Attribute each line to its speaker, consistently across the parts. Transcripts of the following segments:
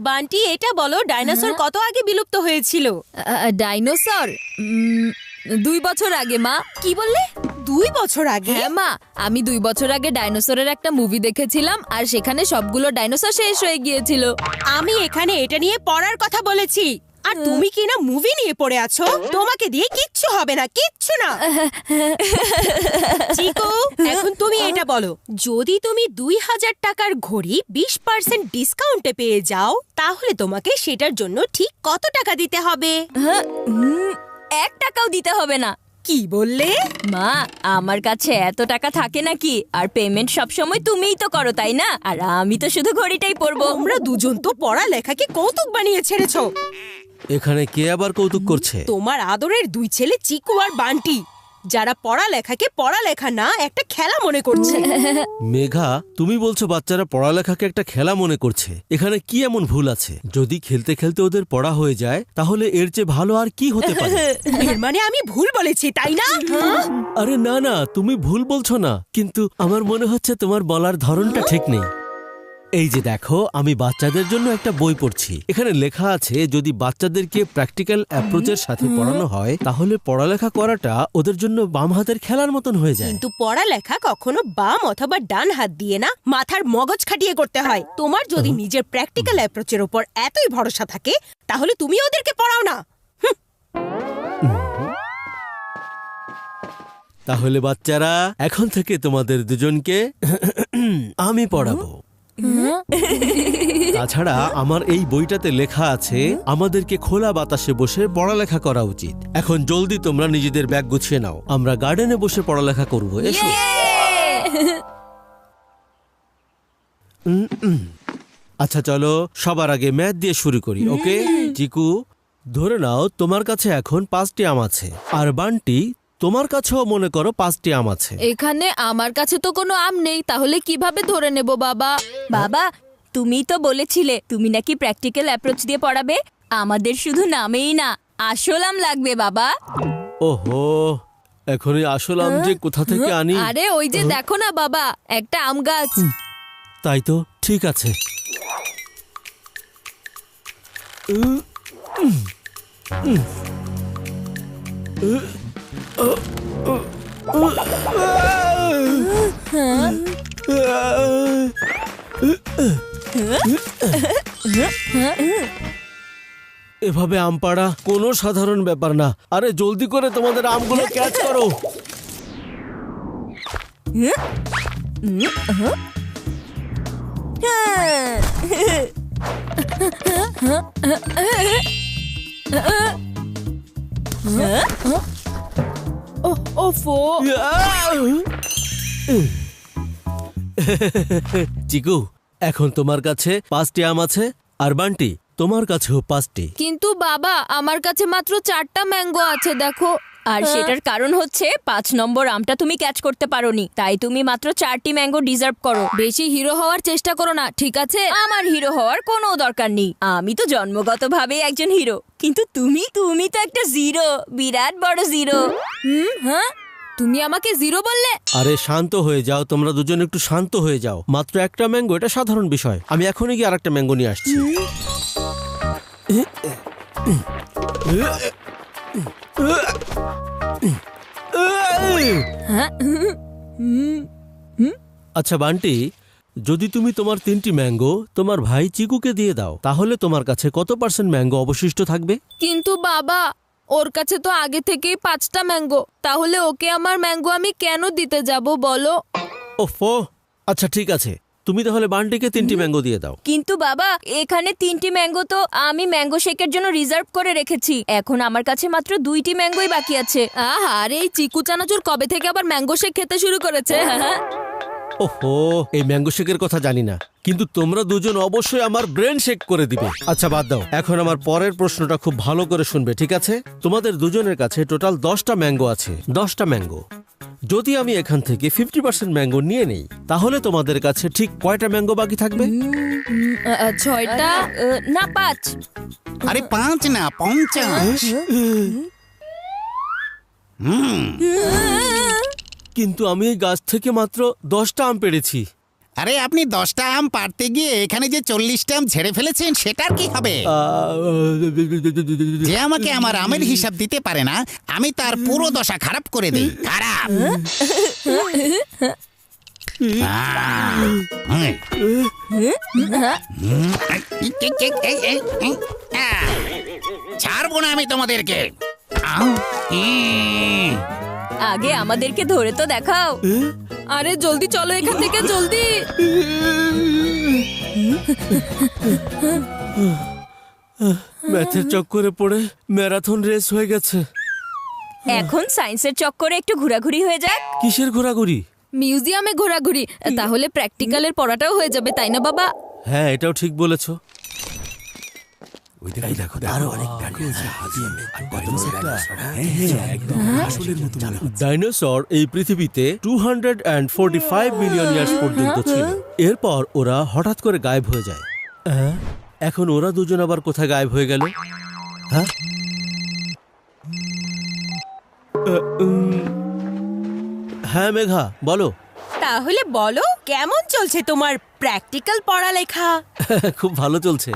Speaker 1: বান্টি, এটা বলো ডাইনোসর কত আগে বিলুপ্ত হয়েছিল?
Speaker 2: ডাইনোসর 2 বছর আগে মা।
Speaker 1: কি বললে? 2 বছর আগে?
Speaker 2: হ্যাঁ মা, আমি 2 বছর আগে ডাইনোসরের একটা মুভি দেখেছিলাম আর সেখানে সবগুলো ডাইনোসর শেষ হয়ে গিয়েছিল।
Speaker 1: আমি এখানে এটা নিয়ে পড়ার কথা বলেছি, আর তুমি কি না মুভি নিয়ে পড়ে আছো? তোমাকে দিয়ে কিচ্ছু হবে না, কিচ্ছু না। চিকু, এখন তুমি এটা বলো, যদি তুমি 2000 টাকার ঘড়ি 20% ডিসকাউন্টে পেয়ে যাও, তাহলে তোমাকে সেটার জন্য ঠিক কত টাকা দিতে হবে?
Speaker 2: 1 টাকাও দিতে হবে না।
Speaker 1: কি বললে?
Speaker 2: মা, আমার কাছে এত টাকা থাকে নাকি? আর পেমেন্ট সবসময় তুমিই তো করো, তাই না? আর আমি তো শুধু ঘড়িটাই পরবো।
Speaker 1: তোমরা দুজন তো পড়ালেখাকে কৌতুক বানিয়ে ছেড়েছো।
Speaker 3: এখানে কে আবার কৌতুক করছে?
Speaker 1: তোমার আদরের 2 ছেলে চিকু আর বান্টি, যারা পড়ালেখাকে পড়ালেখা না একটা খেলা মনে করছে।
Speaker 3: মেঘা, তুমি বলছো বাচ্চারা পড়ালেখাকে একটা খেলা মনে করছে। এখানে কি এমন ভুল আছে? যদি খেলতে খেলতে ওদের পড়া হয়ে যায়, তাহলে এর চেয়ে ভালো আর কি হতে পারে?
Speaker 1: এর মানে আমি ভুল বলেছি, তাই না?
Speaker 3: আরে না না, তুমি ভুল বলছো না, কিন্তু আমার মনে হচ্ছে তোমার বলার ধরনটা ঠিক নেই। এই যে দেখো, আমি বাচ্চাদের জন্য একটা বই পড়ছি। এখানে লেখা আছে যদি বাচ্চাদেরকে প্র্যাকটিক্যাল অ্যাপ্রোচের সাথে পড়ানো হয়, তাহলে পড়ালেখা করাটা ওদের জন্য বাম হাতের খেলার মতন হয়ে যায়।
Speaker 1: কিন্তু পড়ালেখা কখনো বাম অথবা ডান হাত দিয়ে না, মাথার মগজ খাটিয়ে করতে হয়। তোমার যদি নিজের প্র্যাকটিক্যাল অ্যাপ্রোচের উপর এতই ভরসা থাকে, তাহলে তুমি ওদেরকে পড়াও না।
Speaker 3: তাহলে বাচ্চারা, এখন থেকে তোমাদের দুজনকে আমি পড়াবো। তাছাড়া আমার এই বইটাতে লেখা আছে আমাদেরকে খোলা বাতাসে বসে পড়ালেখা করা উচিত। এখন জলদি তোমরা নিজেদের ব্যাগ গুছিয়ে নাও, আমরা গার্ডেনে বসে পড়ালেখা করব। এসো। আচ্ছা চলো, সবার আগে ম্যাথ দিয়ে শুরু করি, ওকে? চিকু, ধরে নাও তোমার কাছে এখন 5টি আম আছে, আর বান্টি তোমার কাছেও মনে করো 5টি আম আছে।
Speaker 2: এখানে আমার কাছে তো কোনো আম নেই, তাহলে কিভাবে ধরে নেব বাবা?
Speaker 4: বাবা, তুমি তো বলেছিলে তুমি নাকি প্র্যাকটিক্যাল অ্যাপ্রোচ দিয়ে পড়াবে। আমাদের শুধু নামেই না, আসল আম লাগবে বাবা।
Speaker 3: ওহো, এখনই আসল আম যে কোথা থেকে আনি?
Speaker 2: আরে ওই যে দেখো না বাবা, একটা আম গাছ।
Speaker 3: তাই তো, ঠিক আছে। এভাবে আম পাড়া কোনো সাধারণ ব্যাপার না। আরে জলদি করে তোমাদের আমগুলো ক্যাচ করো।
Speaker 1: ওফো,
Speaker 3: চিকু, এখন তোমার কাছে 5টি আম আছে, আর বান্টি তোমার কাছেও 5টি।
Speaker 2: কিন্তু বাবা, আমার কাছে মাত্র 4টা ম্যাঙ্গো আছে, দেখো।
Speaker 4: আর সেটার কারণ হচ্ছে 5 নম্বর আমটা তুমি ক্যাচ করতে পারোনি, তাই তুমি মাত্র 4টি ম্যাঙ্গো ডিজার্ভ করো।
Speaker 2: বেশি হিরো হওয়ার চেষ্টা করো না, ঠিক আছে?
Speaker 4: আমার হিরো হওয়ার কোনো দরকার নেই, আমি তো জন্মগতভাবে একজন হিরো। কিন্তু তুমি তো একটা জিরো, বিরাট বড় জিরো।
Speaker 2: হ্যাঁ, তুমি আমাকে জিরো বললে?
Speaker 3: আরে শান্ত হয়ে যাও, তোমরা দুজন একটু শান্ত হয়ে যাও। মাত্র একটা ম্যাঙ্গো, এটা সাধারণ বিষয়। আমি এখনই গিয়ে আরেকটা ম্যাঙ্গো নিয়ে আসছি। আচ্ছা বান্টি, যদি তুমি তোমার 3টি ম্যাঙ্গো তোমার ভাই চিকুকে দিয়ে দাও, তাহলে তোমার কাছে কত % ম্যাঙ্গো অবশিষ্ট থাকবে?
Speaker 2: কিন্তু বাবা, ওর কাছে তো আগে থেকেই 5টা ম্যাঙ্গো, তাহলে ওকে আমার ম্যাঙ্গো আমি কেন দিতে যাব বলো?
Speaker 3: ওফো, আচ্ছা ঠিক আছে, তুমি তাহলে বান্টিকে 3টি ম্যাঙ্গো দিয়ে দাও।
Speaker 4: কিন্তু বাবা, এখানে 3টি ম্যাঙ্গো তো আমি ম্যাঙ্গো শেকের জন্য রিজার্ভ করে রেখেছি। এখন আমার কাছে মাত্র 2টি ম্যাঙ্গোই বাকি আছে।
Speaker 2: আরে এই চিকু চানাচুর কবে থেকে আবার ম্যাঙ্গো শেক খেতে শুরু করেছে? হ্যাঁ,
Speaker 3: ওহো, এই ম্যাঙ্গো শেকের কথা জানি না, কিন্তু তোমরা দুজন অবশ্যই আমার ব্রেন শেক করে দিবে। আচ্ছা বাদ দাও, এখন আমার পরের প্রশ্নটা খুব ভালো করে শুনবে, ঠিক আছে? তোমাদের দুজনের কাছে টোটাল 10টা ম্যাঙ্গো আছে। 10টা ম্যাঙ্গো যদি আমি এখান থেকে 50% ম্যাঙ্গো নিয়ে নেই, তাহলে তোমাদের কাছে ঠিক কয়টা ম্যাঙ্গো বাকি থাকবে?
Speaker 2: 6টা
Speaker 4: না 5।
Speaker 5: আরে 5 না 50।
Speaker 3: কিন্তু আমি এই গাছ থেকে মাত্র 10টা আম পেড়েছি।
Speaker 5: আরে আপনি 10টা আম পারতে গিয়ে এখানে যে 40টা আম ঝেড়ে ফেলেছেন সেটার কি হবে? যে আমাকে আমার আমের হিসাব দিতে পারে না আমি তার পুরো দশা খারাপ করে দেই। খারাপ। ছাড়বো না আমি তোমাদেরকে।
Speaker 4: আগে আমাদেরকে ধরে তো দেখাও।
Speaker 2: আরে জলদি চলো এখান থেকে, জলদি।
Speaker 3: ম্যাথের চক্করে পড়ে ম্যারাথন রেস হয়ে গেছে।
Speaker 4: এখন সায়েন্সের চক্করে একটু ঘোরাঘুরি হয়ে যাক।
Speaker 3: কিসের ঘোরাঘুরি?
Speaker 2: মিউজিয়ামে ঘোরাঘুরি, তাহলে প্র্যাকটিক্যালের পড়াটাও হয়ে যাবে, তাই না বাবা?
Speaker 3: হ্যাঁ, এটাও ঠিক বলেছো। ডাইনোসর এই পৃথিবীতে 245 মিলিয়ন ইয়ার্স পর্যন্ত ছিল। এরপর ওরা হঠাৎ করে গায়েব হয়ে যায়। এখন ওরা দুজন আবার কোথায় গায়েব হয়ে গেল? হ্যাঁ, হ্যাঁ মেঘা বলো।
Speaker 1: তাহলে বলো, কেমন চলছে তোমার প্র্যাকটিক্যাল পড়ালেখা?
Speaker 3: খুব ভালো চলছে।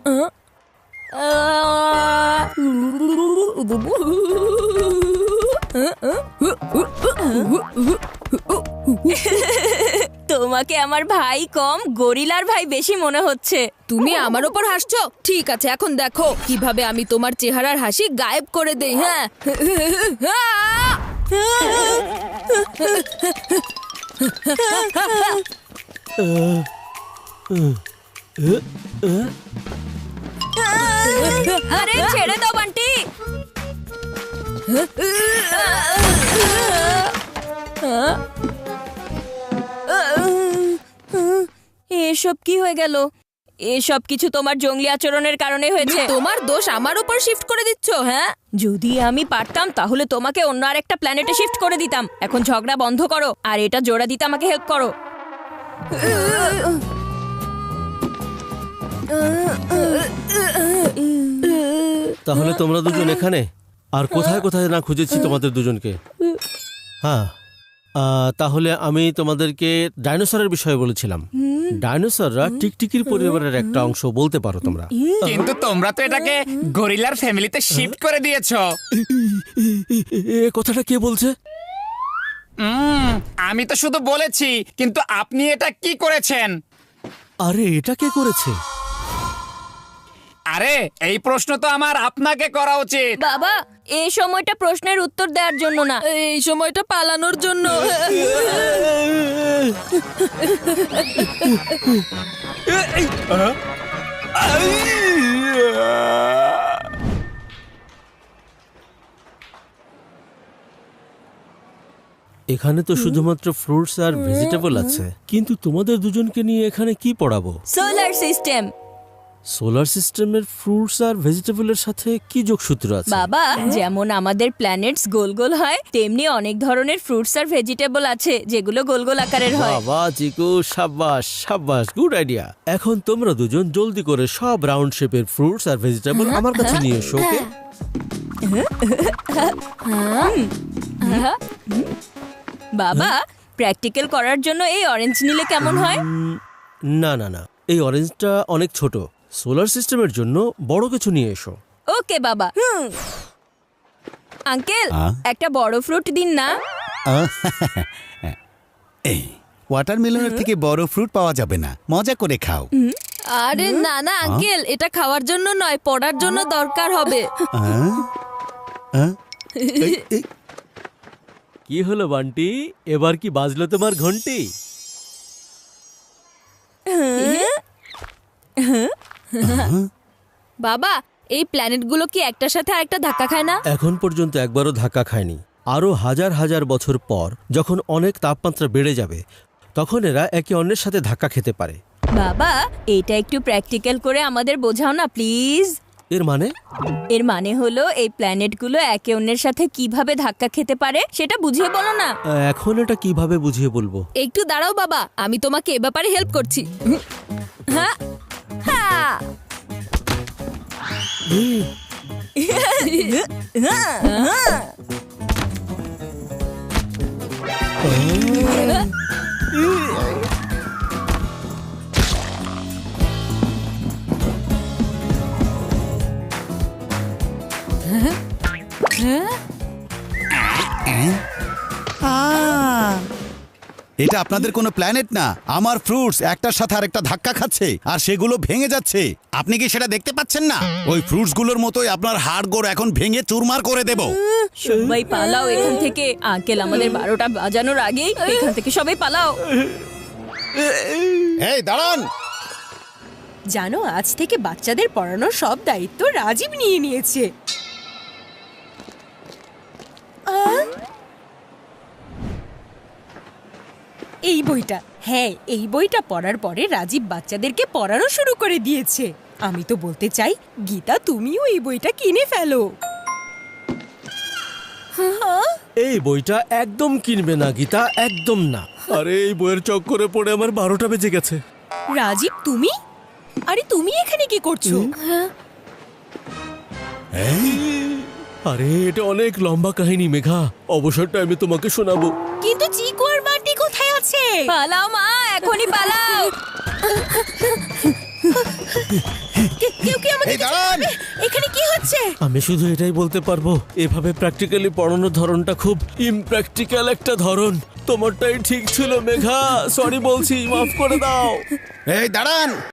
Speaker 4: তোমাকে আমার ভাই কম, গরিলার ভাই বেশি মনে হচ্ছে।
Speaker 2: তুমি আমার ওপর হাসছো? ঠিক আছে, এখন দেখো কিভাবে আমি তোমার চেহারার হাসি গায়েব করে দেই। হ্যাঁ,
Speaker 4: আরে ছেড়ে দাও বান্টি। এসব কি হয়ে গেল? এসব কিছু তোমার জঙ্গলি আচরণের কারণে হয়েছে।
Speaker 2: তোমার দোষ আমার উপর শিফট করে দিচ্ছ। হ্যাঁ,
Speaker 4: যদি আমি পারতাম তাহলে তোমাকে অন্য আরেকটা প্ল্যানেটে শিফট করে দিতাম। এখন ঝগড়া বন্ধ করো আর এটা জোড়া দিতে আমাকে হেল্প করো।
Speaker 3: তাহলে তোমরা দুজন এখানে, আর কোথায় কোথায় না খুঁজেছি তোমাদের দুজনকে। হ্যাঁ, তাহলে আমি তোমাদেরকে ডাইনোসরের বিষয়ে বলেছিলাম। ডাইনোসররা টিকটিকির পরিবারের একটা অংশ বলতে পারো তোমরা।
Speaker 6: কিন্তু তোমরা তো এটাকে গরিলার ফ্যামিলিতে শিফট করে দিয়েছো।
Speaker 3: এ কথাটা কে বলছে?
Speaker 6: আমি তো শুধু বলেছি, কিন্তু আপনি এটা কি করেছেন?
Speaker 3: আরে এটা কে করেছে?
Speaker 6: আরে এই প্রশ্ন তো আমার আপনাকে করা উচিত।
Speaker 4: বাবা, এই সময়টা প্রশ্নের উত্তর দেওয়ার জন্য না,
Speaker 2: এই সময়টা পালানোর জন্য।
Speaker 3: এখানে তো শুধুমাত্র ফ্রুটস আর ভেজিটেবল আছে, কিন্তু তোমাদের দুজনকে নিয়ে এখানে কি পড়াবো?
Speaker 4: Solar system.
Speaker 3: সোলার সিস্টেমের ফ্রুটস আর ভেজিটেবলের সাথে কি যোগসূত্র আছে?
Speaker 4: বাবা, যেমন আমাদের প্ল্যানেটস গোল গোল হয়, তেমনি অনেক ধরনের ফ্রুটস আর ভেজিটেবল আছে যেগুলো গোল গোল আকারের হয়।
Speaker 3: বাবা চিকু, সাব্বাস সাব্বাস, গুড আইডিয়া। এখন তোমরা দুজন জলদি করে সব রাউন্ড শেপের ফ্রুটস আর ভেজিটেবল আমার কাছে নিয়ে এসো, ওকে?
Speaker 4: বাবা, প্র্যাকটিক্যাল করার জন্য এই অরেঞ্জ নিলে কেমন হয়?
Speaker 3: না না না, এই অরেঞ্জটা অনেক ছোট। সোলার সিস্টেমের জন্য বড় কিছু নিয়ে এসো।
Speaker 4: ওকে বাবা। আঙ্কেল, একটা বড় ফ্রুট দিন না।
Speaker 5: এই ওয়াটারমেলনের থেকে বড় ফ্রুট পাওয়া যাবে না, মজা করে খাও।
Speaker 2: আরে না না আঙ্কেল, এটা খাওয়ার জন্য নয়, পড়ার জন্য দরকার হবে।
Speaker 3: কি হলো বান্টি, এবার কি বাজলো তোমার ঘন্টি?
Speaker 2: বাবা, এই প্ল্যানেটগুলো কি একটার সাথে আরেকটা ধাক্কা খায় না?
Speaker 3: এখন পর্যন্ত একবারও ধাক্কা খায়নি। আরো হাজার হাজার বছর পর যখন অনেক তাপমাত্রা বেড়ে যাবে, তখন এরা একে অন্যের সাথে ধাক্কা খেতে পারে।
Speaker 4: বাবা, এটা একটু প্র্যাকটিক্যাল করে আমাদের বোঝাও না প্লিজ।
Speaker 3: এর মানে?
Speaker 4: এর মানে হলো এই প্ল্যানেটগুলো একে অন্যের সাথে কিভাবে ধাক্কা খেতে পারে সেটা বুঝিয়ে বলো না।
Speaker 3: এখন এটা কিভাবে বুঝিয়ে বলবো?
Speaker 2: একটু দাঁড়াও বাবা, আমি তোমাকে এ ব্যাপারে হেল্প করছি।
Speaker 4: হ্যাঁ, হ্যাঁ।
Speaker 7: এটা আপনাদের কোনো প্ল্যানেট না। আমার ফ্রুটস একটার সাথে আরেকটা ধাক্কা খাচ্ছে আর সেগুলো ভেঙে যাচ্ছে।
Speaker 5: আপনি কি সেটা দেখতে পাচ্ছেন না?
Speaker 7: ওই ফ্রুটসগুলোর মতোই আপনার হাড়গোড় এখন ভেঙে চুরমার করে দেব।
Speaker 4: সবাই পালাও এখান থেকে। আঙ্কেল আমাদের 12টা বাজানোর আগেই এখান থেকে সবাই পালাও।
Speaker 7: এই দাঁড়ান।
Speaker 1: জানো, আজ থেকে বাচ্চাদের পড়ানোর সব দায়িত্ব রাজীব নিয়ে নিয়েছে। এই বইটা, হ্যাঁ, এই বইটা পড়ার পরে রাজীব বাচ্চাদেরকে পড়ানো শুরু করে দিয়েছে। আমি তো বলতে চাই, গীতা তুমিও এই বইটা কিনে ফেলো।
Speaker 3: এই বইটা একদম কিনবে না গীতা, একদম না। আরে এই বইয়ের চক্করে পড়ে আমার 12টা বেজে গেছে।
Speaker 1: রাজীব, তুমি? আরে তুমি এখানে কি করছো?
Speaker 3: আরে এটা অনেক লম্বা কাহিনী মেঘা, অবসরটা আমি তোমাকে শোনাবো।
Speaker 1: কিন্তু চিকু আর বান্টি কোথায় আছে?
Speaker 4: পালাও মা, এখনই পালাও।
Speaker 1: কেউ কি আমাকে
Speaker 7: এই দাঁড়ান।
Speaker 1: এখানে কি হচ্ছে?
Speaker 3: আমি শুধু এটাই বলতে পারবো, এভাবে প্র্যাকটিক্যালি পড়ানোর ধরনটা খুব ইমপ্র্যাকটিক্যাল একটা ধরন। তোমারটাই ঠিক ছিল মেঘা, সরি বলছি, মাফ করে দাও।
Speaker 7: এই দাঁড়ান।